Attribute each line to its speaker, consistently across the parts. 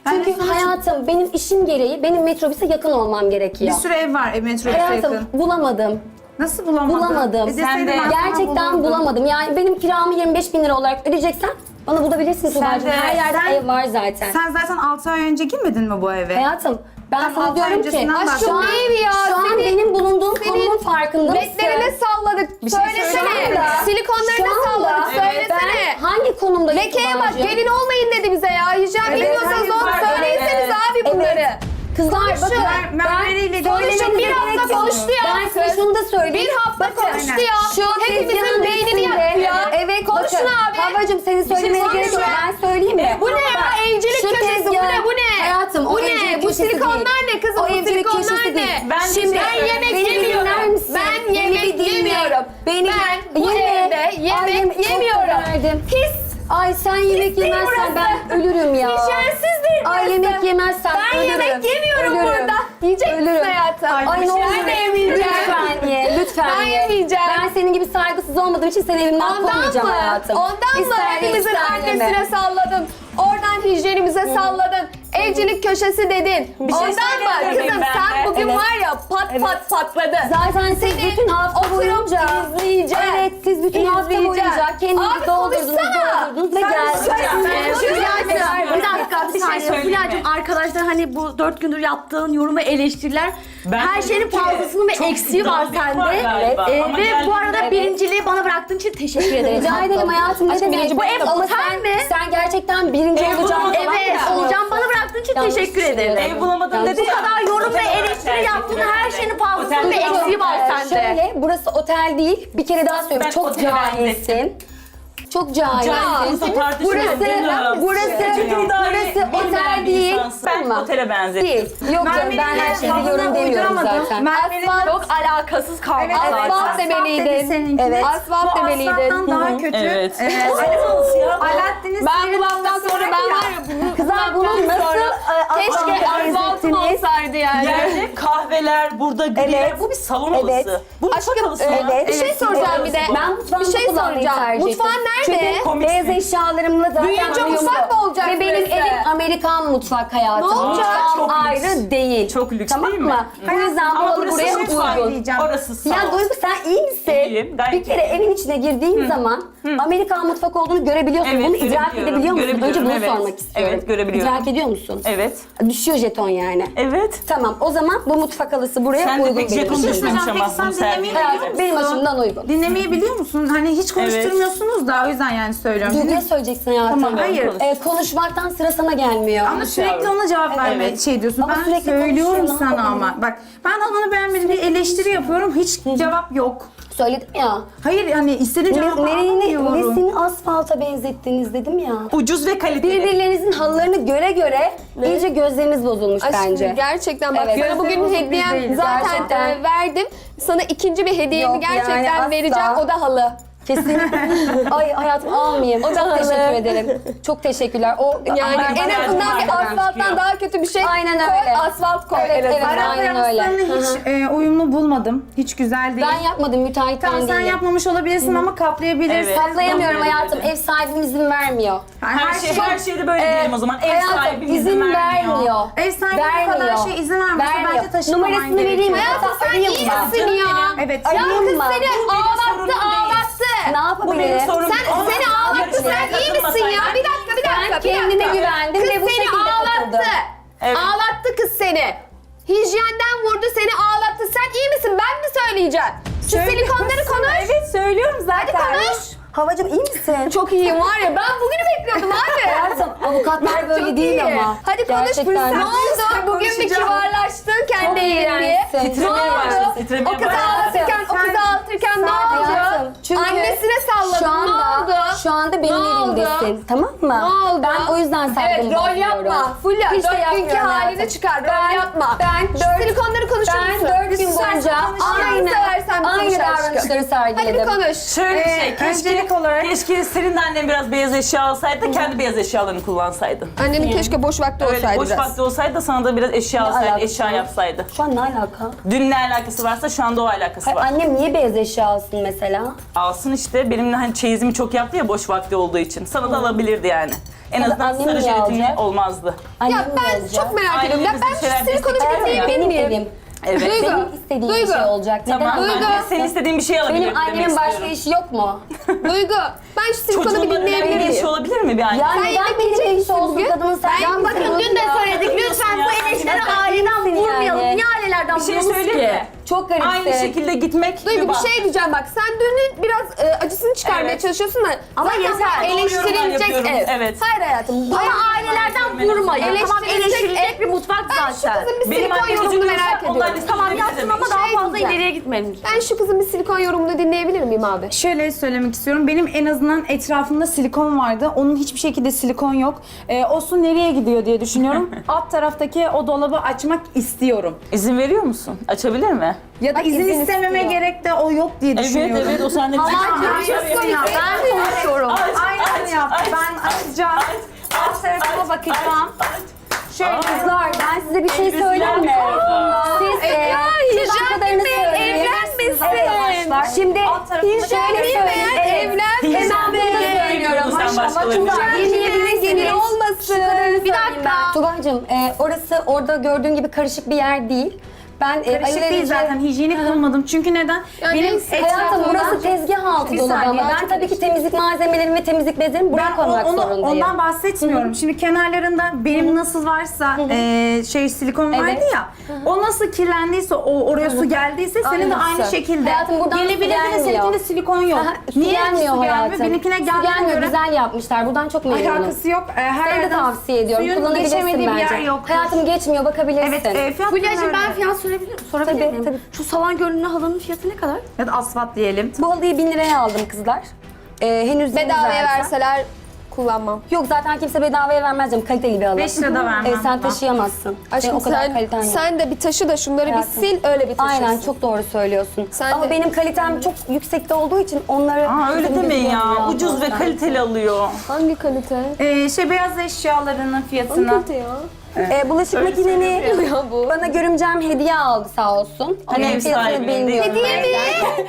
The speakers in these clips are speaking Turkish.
Speaker 1: Çünkü hayatım benim işim gereği benim metrobüse yakın olmam
Speaker 2: Bir
Speaker 1: gerekiyor.
Speaker 2: sürü ev var metrobüse
Speaker 1: Hayatım
Speaker 2: yakın.
Speaker 1: bulamadım.
Speaker 2: Nasıl bulamadın?
Speaker 1: Bulamadım.
Speaker 2: Deseydin
Speaker 3: de-
Speaker 2: ben sana
Speaker 1: Gerçekten
Speaker 2: bulurdum.
Speaker 1: bulamadım. Yani benim kiramı 25 bin lira olarak ödeyeceksen bana bulabilirsin Tuğba'cığım.
Speaker 2: de-
Speaker 1: Her yerde
Speaker 2: sen-
Speaker 1: ev var zaten.
Speaker 2: Sen zaten 6 ay önce girmedin mi bu eve?
Speaker 1: Hayatım ben
Speaker 2: Tam
Speaker 1: sana
Speaker 2: altı
Speaker 1: diyorum ki
Speaker 2: öncesinden bahsediyorum.
Speaker 1: şu an,
Speaker 4: Aşkım ne evi ya?
Speaker 1: şu an
Speaker 4: Senin-
Speaker 1: benim bulunduğum konumun farkında mısın?
Speaker 4: Ledlerine salladık.
Speaker 2: şey
Speaker 4: Söylesene.
Speaker 2: söyleyeyim mi?
Speaker 4: Silikonlarına
Speaker 1: Şu anda
Speaker 4: salladık. Söylesene.
Speaker 1: ben hangi konumdayım
Speaker 4: Lekeye bak,
Speaker 1: Tuğba'cığım?
Speaker 4: gelin olmayın dedi bize ya. Hijyen
Speaker 2: Evet,
Speaker 4: bilmiyorsanız
Speaker 2: hayır,
Speaker 4: onu
Speaker 2: var,
Speaker 4: söyleyeseniz
Speaker 1: evet.
Speaker 4: abi bunları.
Speaker 1: Kızlar
Speaker 4: Konuşun.
Speaker 1: bakın
Speaker 2: Merveriyle
Speaker 4: Konuşun, bir hafta konuştu ya.
Speaker 1: Ben size şunu da söyleyeyim.
Speaker 4: Bir hafta konuştu ya.
Speaker 1: Şu
Speaker 4: Hepimizin
Speaker 1: tezgahın
Speaker 4: beynini
Speaker 1: üstünde-
Speaker 4: yaktı ya.
Speaker 1: Evet
Speaker 4: Konuşun
Speaker 1: bakın.
Speaker 4: abi.
Speaker 1: Havacım senin söylemene
Speaker 4: şey
Speaker 1: gerek yok.
Speaker 4: konuşun.
Speaker 1: Ben söyleyeyim mi?
Speaker 4: Bu ne ya? Evcilik
Speaker 1: Şu
Speaker 4: köşesi. Bu
Speaker 1: tezgah-
Speaker 4: ne? Bu ne?
Speaker 1: Hayatım o
Speaker 4: Bu
Speaker 1: evcilik
Speaker 4: ne? Bu
Speaker 1: köşesi
Speaker 4: silikonlar
Speaker 1: değil.
Speaker 4: ne kızım?
Speaker 1: O
Speaker 4: Bu
Speaker 1: evcilik
Speaker 4: silikonlar
Speaker 1: köşesi
Speaker 4: ne?
Speaker 1: değil.
Speaker 3: Ben
Speaker 1: Şimdi
Speaker 4: Ben yemek
Speaker 1: beni bir dinler
Speaker 4: yemiyorum.
Speaker 1: misin?
Speaker 4: Ben
Speaker 1: Beni
Speaker 4: yemek
Speaker 1: bir dinle.
Speaker 4: yemiyorum.
Speaker 1: Beni
Speaker 4: Ben bu
Speaker 1: Yeme.
Speaker 4: evde
Speaker 1: Ay,
Speaker 4: yemek
Speaker 1: çok
Speaker 4: yemiyorum.
Speaker 1: verdim.
Speaker 4: Pis.
Speaker 1: Ay sen yemek
Speaker 4: değil
Speaker 1: yemezsen
Speaker 4: burası.
Speaker 1: ben ölürüm ya.
Speaker 4: Hijyensizdir burası.
Speaker 1: Ay yemek yemezsen
Speaker 4: Ben
Speaker 1: ölürüm.
Speaker 4: yemek yemiyorum
Speaker 1: Ölürüm.
Speaker 4: burada. Yiyecek misin
Speaker 1: Ölürüm.
Speaker 4: hayatım?
Speaker 1: Ay ne
Speaker 4: Ben
Speaker 1: olur.
Speaker 4: de yemeyeceğim.
Speaker 1: Lütfen ye. Lütfen
Speaker 4: Ben
Speaker 1: ye.
Speaker 4: yemeyeceğim.
Speaker 1: Ben senin gibi saygısız olmadığım için seni evimden
Speaker 4: Ondan
Speaker 1: kovmayacağım
Speaker 4: mı?
Speaker 1: hayatım.
Speaker 4: Ondan mı?
Speaker 1: İster ye,
Speaker 4: Hepimizin
Speaker 1: ister yeme.
Speaker 4: annesine salladın. Oradan hijyenimize salladın. Evcilik köşesi dedin.
Speaker 3: Bir şey
Speaker 4: Ondan mı?
Speaker 3: söyleyebilir
Speaker 4: Kızım
Speaker 3: miyim
Speaker 4: sen
Speaker 3: ben de?
Speaker 4: bugün
Speaker 1: Evet.
Speaker 4: var ya pat patladı.
Speaker 1: Zaten siz
Speaker 4: Seni
Speaker 1: bütün hafta
Speaker 4: oturup
Speaker 1: boyunca
Speaker 4: izleyeceğim.
Speaker 1: Evet siz bütün hafta
Speaker 4: İzleyeceğim.
Speaker 1: boyunca kendinizi
Speaker 4: Abi
Speaker 1: doldurdunuz
Speaker 4: konuşsana.
Speaker 1: ve
Speaker 4: Sen
Speaker 1: geldiniz.
Speaker 5: Bir dakika, bir saniye.
Speaker 3: söyleyeyim
Speaker 5: Fulya'cığım
Speaker 3: mi?
Speaker 5: arkadaşlar hani bu 4 gündür yaptığın yorumu eleştiriler.
Speaker 3: Ben
Speaker 5: Her
Speaker 3: dedim
Speaker 5: şeyin
Speaker 3: ki,
Speaker 5: fazlasının ve
Speaker 3: çok
Speaker 5: eksiği var
Speaker 3: iddialı biri var
Speaker 5: sende.
Speaker 3: galiba. Ama
Speaker 5: Ve bu
Speaker 3: geldiğinde-
Speaker 5: arada birinciliği bana bıraktığın için teşekkür ederim.
Speaker 1: Rica ederim hayatım. Ne
Speaker 4: Aşkım,
Speaker 1: demek?
Speaker 4: birinci
Speaker 1: Bu ev
Speaker 4: benim.
Speaker 1: otel
Speaker 5: Otel
Speaker 1: mi?
Speaker 5: mi?
Speaker 1: Sen gerçekten birinci
Speaker 3: Ev
Speaker 1: olacağım.
Speaker 3: bulamadım.
Speaker 5: Evet, olacağım bana bıraktığın için
Speaker 1: Yanlış
Speaker 5: teşekkür ederim.
Speaker 1: düşünüyorum.
Speaker 3: Ev bulamadım dedi
Speaker 5: Bu
Speaker 3: ya.
Speaker 5: kadar yorum ve
Speaker 3: Otel
Speaker 5: eleştiri
Speaker 3: olarak
Speaker 5: yaptığın
Speaker 3: tercih
Speaker 5: her
Speaker 3: ediyorum.
Speaker 5: şeyin fazlasının
Speaker 3: Otel
Speaker 5: ve
Speaker 3: olarak-
Speaker 5: eksiği var sende.
Speaker 1: Şöyle burası otel değil. Bir kere daha söylüyorum.
Speaker 3: Ben
Speaker 1: Çok
Speaker 3: otele
Speaker 1: cahilsin. Çok cahilsin.
Speaker 3: Cahilsin, tartışmıyorum.
Speaker 1: Burası otel değil.
Speaker 3: Ben
Speaker 1: Tamam.
Speaker 3: otele benzettim.
Speaker 1: Değil. Yok canım ben her şeyi biliyorum demiyorum zaten.
Speaker 5: Çok alakasız kaldı.
Speaker 2: Evet,
Speaker 4: Asfalt demeliydin.
Speaker 2: seninki.
Speaker 1: Evet.
Speaker 4: Asfalt demeliydin.
Speaker 2: Asfalttan daha kötü.
Speaker 3: Evet.
Speaker 2: Alaaddin'in
Speaker 4: Ben bu laftan sonra ben var ya bunu
Speaker 1: Kızlar bunu nasıl
Speaker 4: keşke asfaltım olsaydı yani.
Speaker 3: Yerde kahveler, burada griler.
Speaker 1: Evet.
Speaker 3: Bu bir salon
Speaker 1: Evet.
Speaker 3: odası. Bu
Speaker 4: Aşkım,
Speaker 3: mutfak odası mı?
Speaker 4: bir şey soracağım bir de.
Speaker 1: Ben mutfağımda
Speaker 4: Bir şey
Speaker 1: kullanmayı
Speaker 4: soracağım.
Speaker 1: tercih ettim.
Speaker 4: Mutfağın nerede?
Speaker 1: Çünkü
Speaker 3: Komiksin.
Speaker 1: beyaz eşyalarımla zaten
Speaker 4: Büyüyünce
Speaker 1: uyumlu.
Speaker 4: mutfak mı olacak
Speaker 1: Ve benim
Speaker 4: burası?
Speaker 1: evim Amerikan mutfak hayatım.
Speaker 4: Ne olacak?
Speaker 1: Mutfağım
Speaker 3: Çok lüks.
Speaker 1: ayrı değil.
Speaker 3: Çok lüks
Speaker 1: tamam
Speaker 3: değil mi?
Speaker 1: mı? Bu yüzden
Speaker 3: Ama
Speaker 1: buralı
Speaker 3: burası
Speaker 1: buraya
Speaker 3: mutfak
Speaker 1: uygun.
Speaker 2: diyeceğim.
Speaker 3: Orası salon.
Speaker 1: Ya Duygu sen iyi misin?
Speaker 3: İyiyim, gayet
Speaker 1: Bir kere evin içine girdiğin zaman Amerikan mutfak olduğunu görebiliyorsun.
Speaker 3: Evet,
Speaker 1: Bunu idrak
Speaker 3: görebiliyorum.
Speaker 1: edebiliyor musun? Önce
Speaker 3: Görebiliyorum,
Speaker 1: bunu
Speaker 3: evet.
Speaker 1: sormak istiyorum.
Speaker 3: Evet, görebiliyorum.
Speaker 1: İdrak ediyor musun?
Speaker 3: Evet.
Speaker 1: Düşüyor jeton yani.
Speaker 3: Evet.
Speaker 1: Tamam o zaman bu mutfak halısı buraya
Speaker 3: Sen de
Speaker 1: uygun
Speaker 3: pek jeton
Speaker 1: benim için.
Speaker 3: düşmemiş
Speaker 2: Peki
Speaker 3: ama
Speaker 2: sen
Speaker 3: bunu
Speaker 2: dinlemeyi
Speaker 3: sergileyebilir
Speaker 1: Hayatım
Speaker 3: misin?
Speaker 1: benim açımdan uygun.
Speaker 2: Dinlemeyi biliyor musun? Hani hiç konuşturmuyorsunuz da o yüzden yani söylüyorum.
Speaker 1: Duygu'ya söyleyeceksin hayatım.
Speaker 2: Tamam, hayır.
Speaker 1: Konuşmaktan sıra sana gelmiyor.
Speaker 2: Ama sürekli ona cevap verme
Speaker 3: Evet.
Speaker 2: şey diyorsun.
Speaker 1: Ama
Speaker 2: Ben
Speaker 1: sürekli
Speaker 2: söylüyorum
Speaker 1: konuşuyor, ne
Speaker 2: sana
Speaker 1: yapalım?
Speaker 2: ama. Bak ben onu beğenmedim bir eleştiri yapıyorum. Hiç cevap yok.
Speaker 1: Söyledim ya.
Speaker 2: Hayır hani istediğim cevabı alamıyorum.
Speaker 1: Nesini asfalta benzettiniz dedim ya.
Speaker 3: Ucuz ve kaliteli.
Speaker 1: Birbirlerinizin halılarını göre göre iyice gözleriniz bozulmuş
Speaker 4: Aşkım
Speaker 1: bence.
Speaker 4: gerçekten bak
Speaker 1: Evet.
Speaker 4: sana bugün
Speaker 2: Gözlerim bozuk
Speaker 4: hediyem
Speaker 2: değil,
Speaker 4: zaten
Speaker 1: gerçekten.
Speaker 4: verdim. Sana ikinci bir hediyemi
Speaker 1: Yok, yani
Speaker 4: gerçekten
Speaker 1: asla.
Speaker 4: vereceğim. O da halı.
Speaker 1: Kesinlikle. Ay hayatım almayayım.
Speaker 4: O da
Speaker 1: Çok
Speaker 4: halı.
Speaker 1: teşekkür ederim. Çok teşekkürler. O
Speaker 4: Yani
Speaker 3: Ama
Speaker 4: en
Speaker 3: bayağı
Speaker 4: azından bir
Speaker 3: bayağı
Speaker 4: asfalttan
Speaker 3: çıkıyor.
Speaker 4: daha kötü bir şey
Speaker 1: Aynen
Speaker 4: koy,
Speaker 1: öyle.
Speaker 4: asfalt koy
Speaker 1: Evet,
Speaker 4: en azından.
Speaker 1: evet. Aynen
Speaker 2: Aynen
Speaker 1: öyle.
Speaker 2: hiç uyumlu bulmadım. Hiç güzel değil.
Speaker 1: ben yapmadım müteahhitten
Speaker 2: Tamam sen
Speaker 1: değilim.
Speaker 2: yapmamış olabilirsin ama kaplayabilirsin.
Speaker 3: Evet.
Speaker 1: Kaplayamıyorum
Speaker 3: Doğru,
Speaker 1: hayatım.
Speaker 3: öyle.
Speaker 1: Ev sahibim izin vermiyor.
Speaker 3: Her şeyde böyle diyelim o zaman. Ev
Speaker 1: Hayatım
Speaker 3: sahibi
Speaker 1: izin vermiyor.
Speaker 2: Ev sahibi bu kadar şey izin vermiyorsa bence taşınmaman
Speaker 1: Numarasını
Speaker 2: gerekiyor.
Speaker 1: vereyim mi?
Speaker 4: Hayatım sen
Speaker 1: Arayayım
Speaker 4: iyi
Speaker 1: mı?
Speaker 4: misin ya?
Speaker 2: Evet.
Speaker 4: Ya
Speaker 1: Arayayım
Speaker 4: kız
Speaker 1: mı?
Speaker 4: seni
Speaker 3: Bu benim sorunum
Speaker 4: ağlattı
Speaker 3: değil.
Speaker 4: ağlattı.
Speaker 1: Ne
Speaker 3: Bu benim
Speaker 1: yapabilirim?
Speaker 3: sorunum.
Speaker 4: Sen seni ağlattı. Sen iyi misin ya? Bir dakika bir dakika.
Speaker 1: Ben
Speaker 4: bir
Speaker 1: kendime
Speaker 4: dakika.
Speaker 1: güvendim
Speaker 4: Kız
Speaker 1: ve bu
Speaker 4: seni
Speaker 1: şekilde
Speaker 4: ağlattı.
Speaker 1: katıldım.
Speaker 3: Evet.
Speaker 4: Ağlattı kız seni. Hijyenden vurdu seni ağlattı. Sen iyi misin? Ben mi söyleyeceğim? Şu silikonları konuş.
Speaker 1: Evet söylüyorum zaten.
Speaker 4: Hadi konuş.
Speaker 1: Havacım iyi misin?
Speaker 4: Çok iyiyim var ya. Ben bugünü bekliyordum abi.
Speaker 1: Hayatım avukatlar böyle
Speaker 4: Çok
Speaker 1: değil
Speaker 4: iyi.
Speaker 1: ama.
Speaker 4: Hadi konuş.
Speaker 1: Gerçekten.
Speaker 4: Ne oldu? Bugün bir kibarlaştın kendi yerin diye.
Speaker 1: iğrençsin.
Speaker 4: Ne
Speaker 3: Titremeye başladı,
Speaker 4: oldu?
Speaker 3: titremeye
Speaker 4: O kızı
Speaker 3: başladı.
Speaker 4: ağlatırken, o kızı ağlatırken ne
Speaker 1: Hayatım,
Speaker 4: oldu?
Speaker 1: çünkü
Speaker 4: Annesine salladın.
Speaker 1: Şu anda,
Speaker 4: Ne oldu?
Speaker 1: Şu anda benim
Speaker 4: Ne oldu?
Speaker 1: evimdesin. Tamam mı?
Speaker 4: Ne oldu?
Speaker 1: Ben o yüzden saygımı
Speaker 4: Evet, rol
Speaker 1: bozuyorum.
Speaker 4: yapma. Fulya,
Speaker 1: Hiç de
Speaker 4: 4 günkü
Speaker 1: yapmıyorum
Speaker 4: halini
Speaker 1: hayatım.
Speaker 4: çıkar. Rol yapma.
Speaker 1: Ben
Speaker 4: Şu silikonları konuşur musun?
Speaker 1: Ben 4 gün boyunca
Speaker 4: Aynı seversen bir
Speaker 1: aynı
Speaker 4: konuş aşkım.
Speaker 1: davranışları sergiledim.
Speaker 4: Hadi bir konuş.
Speaker 3: Şöyle bir şey. Keşke
Speaker 2: Öncelik olarak
Speaker 3: Keşke senin de annen biraz beyaz eşya alsaydı da kendi beyaz eşyalarını kullansaydın.
Speaker 4: Annemin keşke boş vakti
Speaker 3: Öyle
Speaker 4: olsaydı
Speaker 3: boş
Speaker 4: biraz.
Speaker 3: vakti olsaydı da sana da biraz eşya alsaydı,
Speaker 1: alakası
Speaker 3: eşya
Speaker 1: var?
Speaker 3: yapsaydı.
Speaker 1: Şu an ne alaka?
Speaker 3: Dün ne alakası varsa şu anda o alakası
Speaker 1: Hayır,
Speaker 3: var.
Speaker 1: annem niye beyaz eşya alsın mesela?
Speaker 3: Alsın işte, benimle hani çeyizimi çok yaptı ya boş vakti olduğu için. Sana da alabilirdi yani. En azından
Speaker 1: annem
Speaker 3: sarı
Speaker 1: niye
Speaker 3: jelatinli
Speaker 1: alacak?
Speaker 3: olmazdı.
Speaker 1: Annem
Speaker 4: Ya ben
Speaker 1: beyaz ya.
Speaker 4: çok merak ediyorum. Ya
Speaker 3: Ailemizin
Speaker 4: ben
Speaker 3: şeyler
Speaker 4: şu silikonu bir
Speaker 3: destekler ya.
Speaker 4: dinleyebilir
Speaker 1: Benim
Speaker 4: miyim?
Speaker 1: evim.
Speaker 3: Evet.
Speaker 4: Duygu,
Speaker 1: Benim istediğim
Speaker 4: Duygu.
Speaker 1: bir şey olacak. Neden
Speaker 3: Tamam,
Speaker 1: annem
Speaker 3: ben de
Speaker 1: alsın?
Speaker 3: senin istediğin bir şey alabilirim
Speaker 1: Benim
Speaker 3: demek
Speaker 1: annemin başka
Speaker 3: istiyorum.
Speaker 1: işi yok mu?
Speaker 4: Duygu, ben şu silikonu bir
Speaker 3: Çocuğunla
Speaker 4: dinleyebilir
Speaker 3: önemli bir
Speaker 4: miyim?
Speaker 3: işi olabilir mi bir anne?
Speaker 1: Yani
Speaker 4: Sen
Speaker 1: neden
Speaker 4: yemek
Speaker 1: benim
Speaker 4: yiyecek
Speaker 1: iş
Speaker 4: misin
Speaker 1: olsun
Speaker 4: bugün?
Speaker 1: kadının sen?
Speaker 5: Ya bakın dün de söyledik. Lütfen bu eleştirileri aileden vurmayalım. Niye ailelerden
Speaker 3: Bir şey
Speaker 5: vuruyoruz
Speaker 3: söyleyeyim
Speaker 5: ki?
Speaker 3: mi?
Speaker 1: Çok garipsin.
Speaker 3: Aynı şekilde gitmek
Speaker 4: Duygu bir
Speaker 3: bak.
Speaker 4: şey diyeceğim bak. Sen dünün biraz acısını çıkarmaya
Speaker 3: Evet.
Speaker 4: çalışıyorsun da.
Speaker 5: Ama
Speaker 4: zaten
Speaker 5: yeter.
Speaker 4: bu
Speaker 3: Doğru yorumlar
Speaker 4: eleştirilecek
Speaker 3: yapıyorum,
Speaker 4: ev.
Speaker 3: evet.
Speaker 4: Hayır hayatım.
Speaker 5: Ama ailelerden vurmayın. Tamam eleştirilecek bir mutfak
Speaker 4: Ben şu
Speaker 5: zaten.
Speaker 4: kızın bir
Speaker 3: Benim
Speaker 4: silikon
Speaker 3: annem
Speaker 4: yorumunu
Speaker 3: üzülüyorsa
Speaker 4: merak
Speaker 3: onlar
Speaker 4: ediyorum.
Speaker 3: listesine
Speaker 5: Tamam
Speaker 3: ne
Speaker 5: yaptım
Speaker 3: demek?
Speaker 5: ama daha
Speaker 4: Şey
Speaker 5: fazla
Speaker 4: diyeceğim.
Speaker 5: ileriye gitmeyelim.
Speaker 4: Ben şu kızın bir silikon yorumunu dinleyebilir miyim abi?
Speaker 2: şöyle söylemek istiyorum. Benim en azından etrafımda silikon vardı. Onun hiçbir şekilde silikon yok. O su nereye gidiyor diye düşünüyorum. Alt taraftaki o dolabı açmak istiyorum.
Speaker 3: İzin veriyor musun? Açabilir mi?
Speaker 2: Ya da izin
Speaker 4: izin
Speaker 2: istememe
Speaker 4: istiyor.
Speaker 2: gerek de o yok diye düşünüyorum.
Speaker 3: Evet evet o sende bir
Speaker 5: Ben konuşuyorum.
Speaker 2: Aynen yaptı. Ben açacağım. Alt tarafıma bakacağım.
Speaker 1: Şöyle kızlar ben size bir şey söyleyeyim mi? Siz siz kadarını söyleyin.
Speaker 4: evlenmesin.
Speaker 1: Şimdi şöyle söyleyeyim.
Speaker 4: Evlen.
Speaker 3: Hijyen
Speaker 4: Hemen
Speaker 3: değil,
Speaker 4: bunu
Speaker 3: değil
Speaker 4: söylüyorum.
Speaker 3: sen
Speaker 4: Maşallah
Speaker 3: başkalarını
Speaker 4: çok
Speaker 3: bilmiyorsun.
Speaker 4: dinleyebiliriz. Gelin olmasın. Bir dakika.
Speaker 1: Tugay'cığım orası orada gördüğün gibi karışık bir yer değil. Ben
Speaker 2: Karışık değil zaten. Hijyenik bulmadım. Çünkü neden?
Speaker 4: Yani
Speaker 2: Benim
Speaker 4: neyse.
Speaker 1: Hayatım
Speaker 2: etrafımda...
Speaker 1: burası tezgah altı
Speaker 2: Bir
Speaker 1: dolabı
Speaker 2: saniye,
Speaker 1: ama ben
Speaker 2: çok
Speaker 1: tabii ki temizlik malzemelerimi ve temizlik bezlerimi buraya koymak zorundayım.
Speaker 2: Ondan bahsetmiyorum. Şimdi kenarlarında benim nasıl varsa silikon vardı
Speaker 1: Evet.
Speaker 2: ya. O nasıl kirlendiyse, oraya su geldiyse senin de aynı
Speaker 1: Aynısı.
Speaker 2: şekilde.
Speaker 1: Hayatım buradan su
Speaker 2: Gelebilir de
Speaker 1: gelmiyor.
Speaker 2: seninkinde silikon yok.
Speaker 1: Su
Speaker 2: Niye
Speaker 1: gelmiyor
Speaker 2: su
Speaker 1: hayatım.
Speaker 2: gelmiyor? Benimkine
Speaker 1: Su
Speaker 2: geldiğine
Speaker 1: gelmiyor,
Speaker 2: göre
Speaker 1: güzel yapmışlar. Buradan çok memnunum.
Speaker 2: alakası yok. Her
Speaker 1: Seni de
Speaker 2: yerden
Speaker 1: tavsiye ediyorum.
Speaker 2: suyun
Speaker 1: Kullanabilirsin
Speaker 2: geçemediği bir
Speaker 1: bence.
Speaker 2: yer yok.
Speaker 1: Hayatım geçmiyor, bakabilirsin.
Speaker 2: Evet, fiyat
Speaker 5: Fulya'cığım ben
Speaker 2: öyle.
Speaker 5: fiyat sorabilir
Speaker 1: Tabii,
Speaker 5: miyim?
Speaker 1: tabii.
Speaker 5: Şu salon görünümlü halının fiyatı ne kadar?
Speaker 2: Ya da asfalt diyelim.
Speaker 1: Bu halıyı 1000 liraya aldım kızlar. Henüz yeni
Speaker 4: Bedavaya
Speaker 1: zaten.
Speaker 4: verseler kullanmam.
Speaker 1: Yok zaten kimse bedavaya vermez canım. Kaliteli bir halı.
Speaker 2: 5 lirada vermem.
Speaker 1: Sen taşıyamazsın.
Speaker 4: Aşkım
Speaker 1: o kadar kaliten yok.
Speaker 4: sen de bir taşı da şunları bir
Speaker 1: Hayatım.
Speaker 4: sil öyle bir taşırsın.
Speaker 1: Aynen çok doğru söylüyorsun.
Speaker 4: Sen
Speaker 1: Ama
Speaker 4: de-
Speaker 1: benim kalitem çok yüksekte olduğu için onları...
Speaker 3: Öyle demeyin ya.
Speaker 1: Bilmiyorum
Speaker 3: Ucuz ve
Speaker 1: ben.
Speaker 3: kaliteli alıyor.
Speaker 4: Hangi kalite?
Speaker 2: Beyaz eşyalarının
Speaker 4: Hangi
Speaker 2: fiyatına.
Speaker 4: kalite ya?
Speaker 1: Bulaşık makineni
Speaker 4: Ya bu.
Speaker 1: bana görümcem hediye aldı sağ olsun.
Speaker 3: Hani
Speaker 1: Onun
Speaker 3: ev
Speaker 1: fiyatını
Speaker 3: sahibinin değil mi?
Speaker 1: bilmiyorum.
Speaker 4: Hediye mi?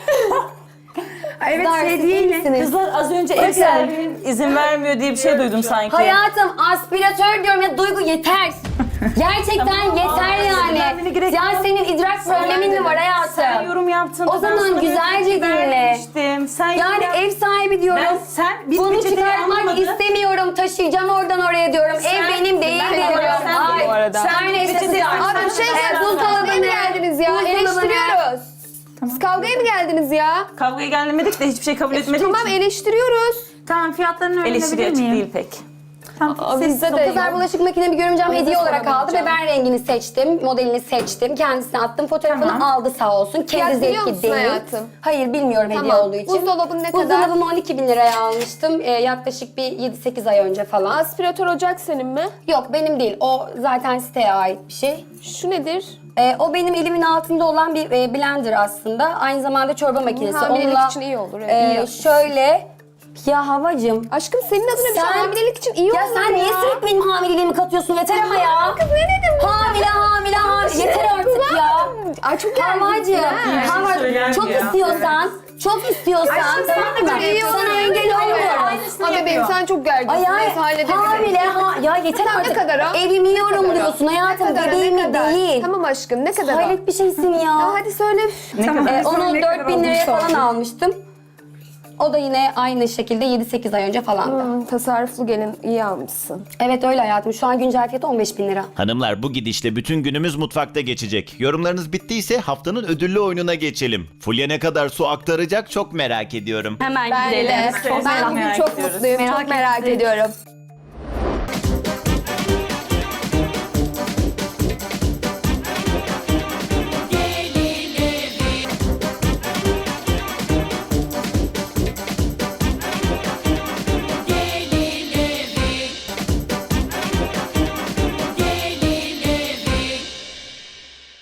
Speaker 2: Evet,
Speaker 1: Kızlar, siz iyi
Speaker 2: hediyeyle.
Speaker 1: misiniz?
Speaker 3: Kızlar az önce ev sahibinin izin vermiyor diye bir şey duydum sanki.
Speaker 1: Hayatım aspiratör diyorum ya Duygu yeter. Gerçekten yeter yani.
Speaker 3: vermene gerek
Speaker 1: Ya
Speaker 3: yok.
Speaker 1: senin idrak problemin mi var
Speaker 3: Sen
Speaker 1: hayatım?
Speaker 3: yorum yaptın.
Speaker 1: O zaman güzelce dinle.
Speaker 3: Sen
Speaker 1: Yani ev sahibi diyorum.
Speaker 3: biz
Speaker 1: Bunu
Speaker 3: peçeteyi
Speaker 1: çıkartmak
Speaker 3: anlamadın.
Speaker 1: istemiyorum. Taşıyacağım oradan oraya diyorum. Ev benim değil
Speaker 3: Ben
Speaker 1: diyorum.
Speaker 3: diyorum, sen
Speaker 1: Ay,
Speaker 3: bu arada.
Speaker 1: Her
Speaker 3: Sen
Speaker 1: neyse
Speaker 3: peçeteyi
Speaker 1: kızlar.
Speaker 3: anlamadın.
Speaker 4: Abi bir şey söyleyeceğim.
Speaker 1: Buzdolabı
Speaker 4: Siz
Speaker 1: ne?
Speaker 4: kavgaya mı geldiniz ya?
Speaker 1: Buzdolabı ne?
Speaker 4: Eleştiriyoruz. Siz kavgaya mı geldiniz ya?
Speaker 3: Kavgaya gelmedik de hiçbir şey kabul etmedik.
Speaker 4: Tamam eleştiriyoruz.
Speaker 2: Tamam, fiyatlarını
Speaker 3: Eleştiri
Speaker 2: öğrenebilir
Speaker 3: açık
Speaker 2: miyim?
Speaker 3: değil pek.
Speaker 2: Tamam,
Speaker 4: Bizde de
Speaker 1: Kızlar bulaşık makinemi görümcem hediye olarak aldı ve
Speaker 4: soramayacağım.
Speaker 1: ben rengini seçtim, modelini seçtim. Kendisine attım, fotoğrafını
Speaker 2: Tamam.
Speaker 1: aldı sağ olsun.
Speaker 4: Fiyat
Speaker 1: Kendi
Speaker 4: biliyor
Speaker 1: zevki
Speaker 4: musun
Speaker 1: değil.
Speaker 4: hayatım?
Speaker 1: Hayır bilmiyorum hediye
Speaker 4: Tamam.
Speaker 1: olduğu için.
Speaker 4: Buzdolabın ne kadar?
Speaker 1: Buzdolabımı 12.000 liraya almıştım. Yaklaşık bir 7-8 ay önce falan.
Speaker 4: Aspiratör ocak senin mi?
Speaker 1: Yok benim değil. O zaten siteye ait bir şey.
Speaker 4: Şu nedir?
Speaker 1: O benim elimin altında olan bir blender aslında. Aynı zamanda çorba makinesi.
Speaker 4: Hamilelik
Speaker 1: Onunla,
Speaker 4: için iyi olur. Evet, iyi yapmışsın.
Speaker 1: şöyle ya havacım.
Speaker 4: Aşkım senin adına bir şey
Speaker 1: Sen-
Speaker 4: hamilelik için iyi
Speaker 1: Ya
Speaker 4: olur
Speaker 1: sen niye sürekli benim hamileliğimi katıyorsun? Yeter ama ya.
Speaker 4: Kız ne dedim?
Speaker 1: Hamile. Yeter artık ya.
Speaker 4: Ay çok
Speaker 1: Havacım.
Speaker 3: şey söyler
Speaker 1: Çok
Speaker 3: mi ya?
Speaker 1: çok istiyorsan tamam mı?
Speaker 4: iyi olur.
Speaker 1: Sana engel olmuyorum.
Speaker 4: Ama bebeğim sen çok gerginsin.
Speaker 1: Ay
Speaker 4: Neyse halledebiliriz.
Speaker 1: ya yeter
Speaker 4: Tamam, ne
Speaker 1: artık.
Speaker 4: kadar o?
Speaker 1: Evimi yorumluyorsun hayatım,
Speaker 4: Ne kadar,
Speaker 1: bebeğimi
Speaker 4: ne kadar?
Speaker 1: değil.
Speaker 4: Tamam aşkım ne kadar o?
Speaker 1: Hayret bir şeysin ya.
Speaker 4: Tamam hadi söyle.
Speaker 2: Tamam.
Speaker 1: Onu
Speaker 2: Ne kadar
Speaker 1: 4000 liraya
Speaker 2: olduğunu
Speaker 1: falan
Speaker 2: sordum.
Speaker 1: almıştım. O da yine aynı şekilde 7-8 ay önce falandı.
Speaker 4: Tasarruflu gelin iyi almışsın.
Speaker 1: Evet öyle hayatım. Şu an güncel fiyatı 15.000 lira.
Speaker 6: Hanımlar bu gidişle bütün günümüz mutfakta geçecek. Yorumlarınız bittiyse haftanın ödüllü oyununa geçelim. Fulya ne kadar su aktaracak çok merak ediyorum.
Speaker 5: Hemen
Speaker 4: Ben
Speaker 5: gidelim.
Speaker 4: de.
Speaker 3: Çok
Speaker 4: Ben bugün
Speaker 3: merak
Speaker 4: çok
Speaker 3: ediyoruz.
Speaker 4: mutluyum. Çok merak ediyorum.